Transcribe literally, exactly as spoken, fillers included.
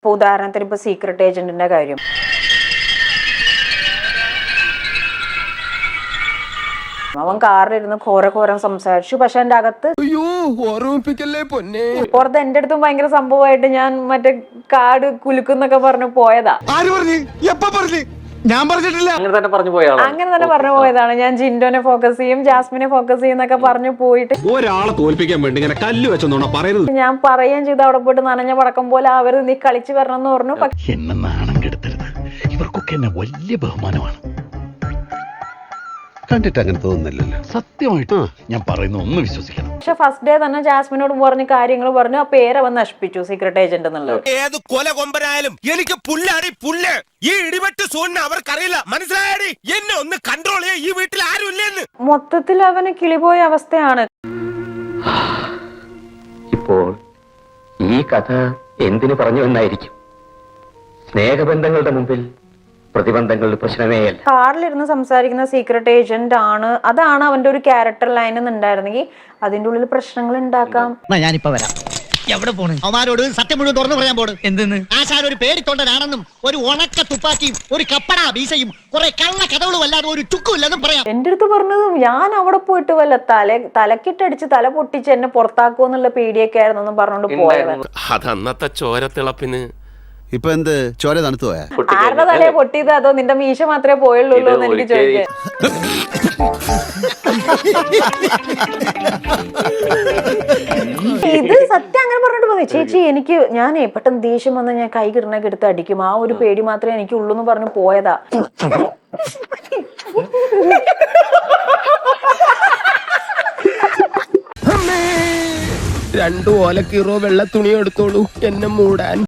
ഇപ്പൊ ഉദാഹരണത്തിന് ഇപ്പൊ സീക്രട്ട് ഏജന്റിന്റെ കാര്യം, അവൻ കാറിലിരുന്ന് ഘോര ഘോരം സംസാരിച്ചു. പക്ഷെ എന്റെ അകത്ത് പുറത്ത് എന്റെ അടുത്തും ഭയങ്കര സംഭവമായിട്ട് ഞാൻ മറ്റേ കാട് കുലുക്കുന്നൊക്കെ പറഞ്ഞു പോയതാ. ഞാൻ പറഞ്ഞിട്ടില്ല, അങ്ങനെ തന്നെ പറഞ്ഞു പോയതാണ്. അങ്ങനെ തന്നെ പറഞ്ഞു പോയതാണ്. ഞാൻ ജിൻഡോനെ ഫോക്കസ് ചെയ്യും, ജാസ്മിനെ ഫോക്കസ് ചെയ്യും എന്നൊക്കെ പറഞ്ഞു പോയിട്ട് ഒരാളെ തോൽപ്പിക്കാൻ വേണ്ടി ഇങ്ങനെ കല്ല് വെച്ചോണ്ടാ പറയുന്നത്. ഞാൻ പറയുകയും ചെയ്തു അവിടെ പോയിട്ട് നനഞ്ഞ പടക്കം പോലെ അവര് നീ കളിച്ചു വരണം എന്ന് പറഞ്ഞു. എന്നെ നാണം കെടുത്തരുത്, ഇവർക്കൊക്കെ എന്നെ വലിയ ബഹുമാനമാണ്. കണ്ടിട്ട് അങ്ങനെ തോന്നുന്നില്ലല്ലോ. സത്യമായിട്ട് ഞാൻ പറയുന്ന ഒന്ന് വിശ്വസിക്കണം. പക്ഷെ ഫസ്റ്റ് ഡേ തന്നെ ജാസ്മിനോട് പറഞ്ഞ കാര്യങ്ങൾ പറഞ്ഞു, ആ പേര് അവൻ നശിപ്പിച്ചു സീക്രട്ട് ഏജന്റ് എന്നുള്ളത്. ഏത് കൊല കൊമ്പനായാലും എനിക്ക് പുല്ലാടി പുല്ല്. ഈ ഇടിവെട്ട് സോണിന് അവർക്കറിയില്ല, മനസ്സിലായാടി? എന്നെ ഒന്ന് കൺട്രോൾ ചെയ്യാൻ ഈ വീട്ടിൽ ആരും ഇല്ലെന്ന്. മൊത്തത്തിൽ അവന് കിളിപോയ അവസ്ഥയാണ്. ഇപ്പോൾ ഈ കഥ എന്തിനു പറഞ്ഞു എന്നായിരിക്കും. സ്നേഹബന്ധങ്ങളുടെ മുമ്പിൽ പ്രതിബന്ധങ്ങളുടെ പ്രശ്നമേ അല്ല. കാറിലിരുന്ന് സംസാരിക്കുന്ന സീക്രട്ട് ഏജന്റ് ആണ്, അതാണ് അവന്റെ ഒരു ക്യാരക്ടർ ലൈൻ എന്നുണ്ടായിരുന്നെങ്കിൽ അതിന്റെ ഉള്ളിൽ പ്രശ്നങ്ങൾ ഉണ്ടാക്കാം. ഞാനിപ്പോ വരാം. എവിടെ പോണ്? അവന്മാരോട് സത്യം മുഴുവൻ തുറന്നു പറയാൻ പോണ്. എന്തെന്ന്? ആശാൻ ഒരു പേടിത്തൊണ്ടനാണെന്നും ഒരു ഉണക്ക തുപ്പാക്കിയും ഒരു കപ്പട വീസയും കുറെ കള്ള കഥകളും അല്ലാതെ ഒരു ചുക്കുമില്ലെന്നും പറയാം. എന്റെ അടുത്ത് പറഞ്ഞതും ഞാൻ അവിടെ പോയിട്ട് വല്ല തല തലക്കിട്ടടിച്ച് തല പൊട്ടിച്ച് എന്നെ പുറത്താക്കുമോ എന്നുള്ള പേടിയൊക്കെ ആയിരുന്നു പറഞ്ഞോണ്ട് പോയവൻ. അതന്നത്തെ ചോരത്തിളപ്പിന് ഇപ്പൊ എന്ത് ചോര തണുത്തു പോയാ? ആരുടെ തലയെ പൊട്ടിയത്, അതോ നിന്റെ മീശ മാത്രമേ പോയുള്ളൂ എന്ന് എനിക്ക് ചോദിക്കാം. ഇത് സത്യം അങ്ങനെ പറഞ്ഞിട്ട് പോയി. ചേച്ചി എനിക്ക് ഞാനേ പെട്ടെന്ന് ദേഷ്യം വന്ന് ഞാൻ കൈ കിടണൊക്കെ എടുത്ത് അടിക്കും, ആ ഒരു പേടി മാത്രമേ എനിക്ക് ഉള്ളൂ എന്ന് പറഞ്ഞു പോയതാ. രണ്ടു ഓലക്കീറോ വെള്ള തുണി എടുത്തോളൂ എന്നെ മൂടാൻ.